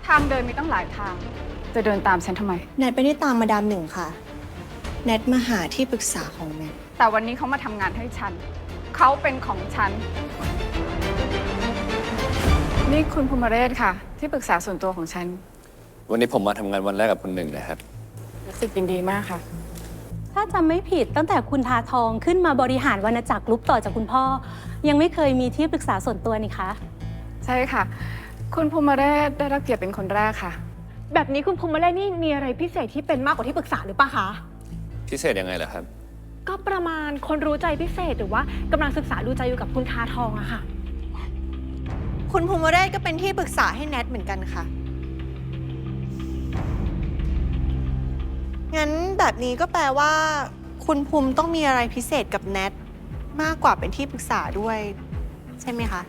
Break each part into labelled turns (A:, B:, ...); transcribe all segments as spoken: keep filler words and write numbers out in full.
A: ทางเดินมีตั้งหลายทางจะเดินตามฉันทำไม
B: แนทไม่ได้ตามมาดามหนึ่งค่ะแนทมาหาที่ปรึกษาของแนท
A: แต่วันนี้เขามาทำงานให้ฉันเขาเป็นของฉันนี่คุณภูมิเรศค่ะที่ปรึกษาส่วนตัวของฉัน
C: วันนี้ผมมาทำงานวันแรกกับคุณหนึ่งนะครับ
A: รู้สึกยินดีมากค่ะ
D: ถ้าจำไม่ผิดตั้งแต่คุณทาทองขึ้นมาบริหารวรรณจักรกรุ๊ปต่อจากคุณพ่อยังไม่เคยมีที่ปรึกษาส่วนตัวนี่คะ
A: ใช่ค่ะคุณภูมิเรศได้รับเกียรติเป็นคนแรกค่ะ
E: แบบนี้คุณภูมิเรศนี่มีอะไรพิเศษที่เป็นมากกว่าที่ปรึกษาหรือเปล่าคะ
C: พิเศษยังไงเหรอครับ
E: ก็ประมาณคนรู้ใจพิเศษหรือว่ากำลังศึกษาดูใจอยู่กับคุณทาทองอะค่ะ
B: คุณภูมิเรศก็เป็นที่ปรึกษาให้แนทเหมือนกันค่ะงั้นแบบนี้ก็แปลว่าคุณภูมิต้องมีอะไรพิเศษกับแนทมากกว่าเป็นที่ปรึกษาด้วยใช่ไหมคะ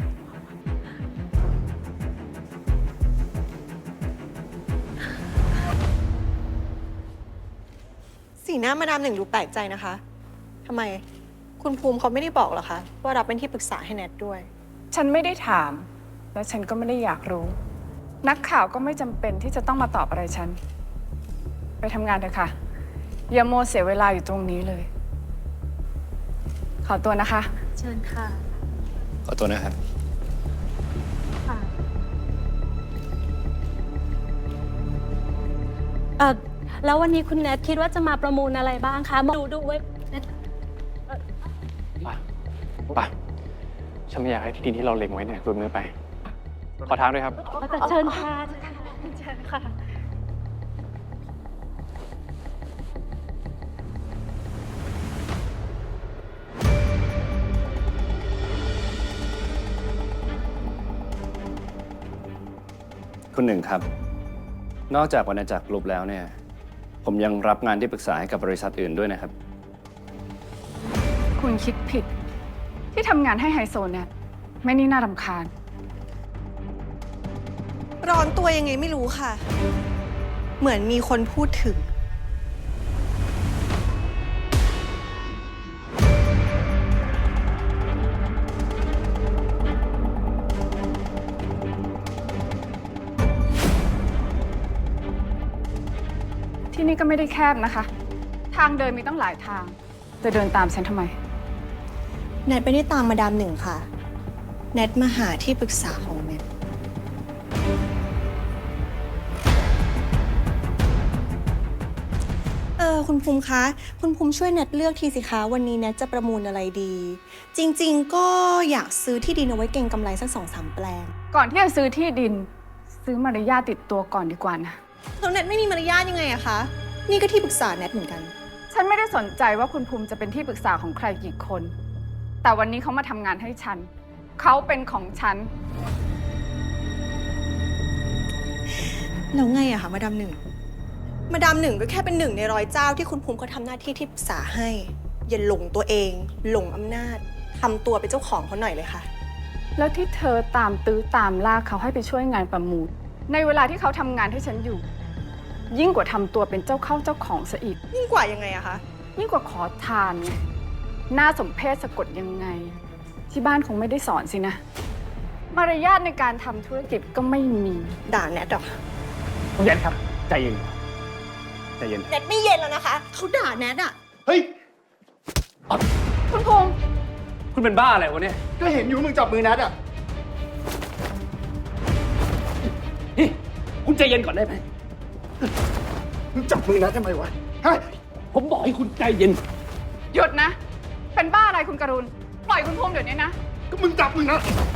B: สีหน้ามาดามหนึ่งดูแปลกใจนะคะทำไมคุณภูมิเขาไม่ได้บอกหรอคะว่ารับเป็นที่ปรึกษาให้แนทด้วย
A: ฉันไม่ได้ถามและฉันก็ไม่ได้อยากรู้นักข่าวก็ไม่จำเป็นที่จะต้องมาตอบอะไรฉันไปทำงานเถอะค่ะอย่าโมเสียเวลาอยู่ตรงนี้เลยขอตัวนะคะ
D: เชิญค่ะ
C: ขอตัวนะครับ
D: ค่ะเอ่อแล้ววันนี้คุณแนทคิดว่าจะมาประมูลอะไรบ้างคะดูดูไว้
F: ป่ะป่ะฉันไม่อยากให้ที่ดินที่เราเล็งไว้เนี่ยหลุดมือไปขอทางด้วยครับ
D: เชิญค่ะเชิญค่ะ
C: คุณหนึ่งครับนอกจากวรรณจักรกรุ๊ปแล้วเนี่ยผมยังรับงานที่ปรึกษาให้กับบริษัทอื่นด้วยนะครับ
A: คุณคิดผิดที่ทำงานให้ไฮโซเนี่ยไม่นี่น่ารำคาญ
B: ร้อนตัวยังไงไม่รู้ค่ะเหมือนมีคนพูดถึง
A: ที่นี่ก็ไม่ได้แคบนะคะทางเดินมีตั้งหลายทางจะเดินตามฉันทำไม
B: แนทไม่ได้ตามมาดามหนึ่งค่ะแนทมาหาที่ปรึกษาของแนทเออคุณภูมิคะคุณภูมิช่วยแนทเลือกทีสิคะวันนี้แนทจะประมูลอะไรดี จริงๆก็อยากซื้อที่ดินเอาไว้เก็งกำไรสักสองสามแปลง
A: ก่อนที่จะซื้อที่ดินซื้อมารยาทติดตัวก่อนดีกว่านะ
B: แล้วแนทไม่มีมารยาทยังไงอะคะนี่ก็ที่ปรึกษาแนทเหมือนกัน
A: ฉันไม่ได้สนใจว่าคุณภูมิจะเป็นที่ปรึกษาของใครกี่คนแต่วันนี้เขามาทำงานให้ฉันเขาเป็นของฉัน
B: แล้วไงอะคะมาดามหนึ่งมาดามหนึ่งก็แค่เป็นหนึ่งในร้อยเจ้าที่คุณภูมิเขาทำหน้าที่ที่ปรึกษาให้อย่าหลงตัวเองหลงอำนาจทำตัวเป็นเจ้าของเขาหน่อยเลยค่ะ
A: แล้วที่เธอตามตื้อตามล่าเขาให้ไปช่วยงานประมูลในเวลาที่เขาทำงานให้ฉันอยู่ยิ่งกว่าทำตัวเป็นเจ้าเข้าเจ้าของซะอีก
B: ยิ่งกว่ายังไงอะคะ
A: ยิ่งกว่าขอทานไงน่าสมเพชสะกดยังไงที่บ้านคงไม่ได้สอนสินะมารยาทในการทำธุรกิจก็ไม่มี
B: ด่าแนทหรอ
F: คุณแนทครับใจเย็นใจเย็น
B: แนทไม่เย็นแล้วนะคะเขาด่าแนทอะ
F: เฮ้ย
A: คุณพงษ์
F: คุณเป็นบ้าอะไรวะเนี่ย
G: ก็เห็นอยู่มึงจับมือแนทอะ
F: นี่คุณใจเย็นก่อนได้ไหม
G: มึงจับมือแนททำไมวะฮะ
F: ผมบอกให้คุณใจเย็น
A: หยุดนะเป็นบ้าอะไรคุณกรุณปล่อยคุณพงษ์เดี๋ยวนี้นะ
G: ก็มึงจับมือนะ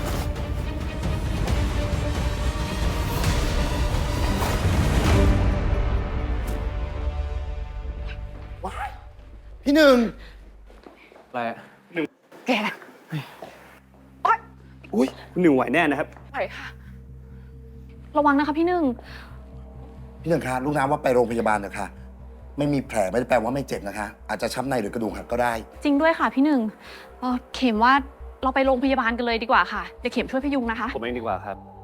G: ว้ายพี่หนึ่ง
F: อะไรอะ
A: หนึ่งแกโอ๊ย
F: อุ้ยคุณหนึ่งไหวแน่นะครับ
A: ไหวค่ะ
E: ระวังนะคะพี่หนึ่ง
G: พี่หนึ่งคะลูกน้ำว่าไปโรงพยาบาลนะคะไม่มีแผลไม่ได้แปลว่าไม่เจ็บนะคะอาจจะช้ำในหรือกระดูกหักก็ได้
E: จริงด้วยค่ะพี่หนึ่งเข็มว่าเราไปโรงพยาบาลกันเลยดีกว่าค่ะเดี๋ยวเข็มช่วยพยุงนะคะ
F: ผมเองดีกว่าครับ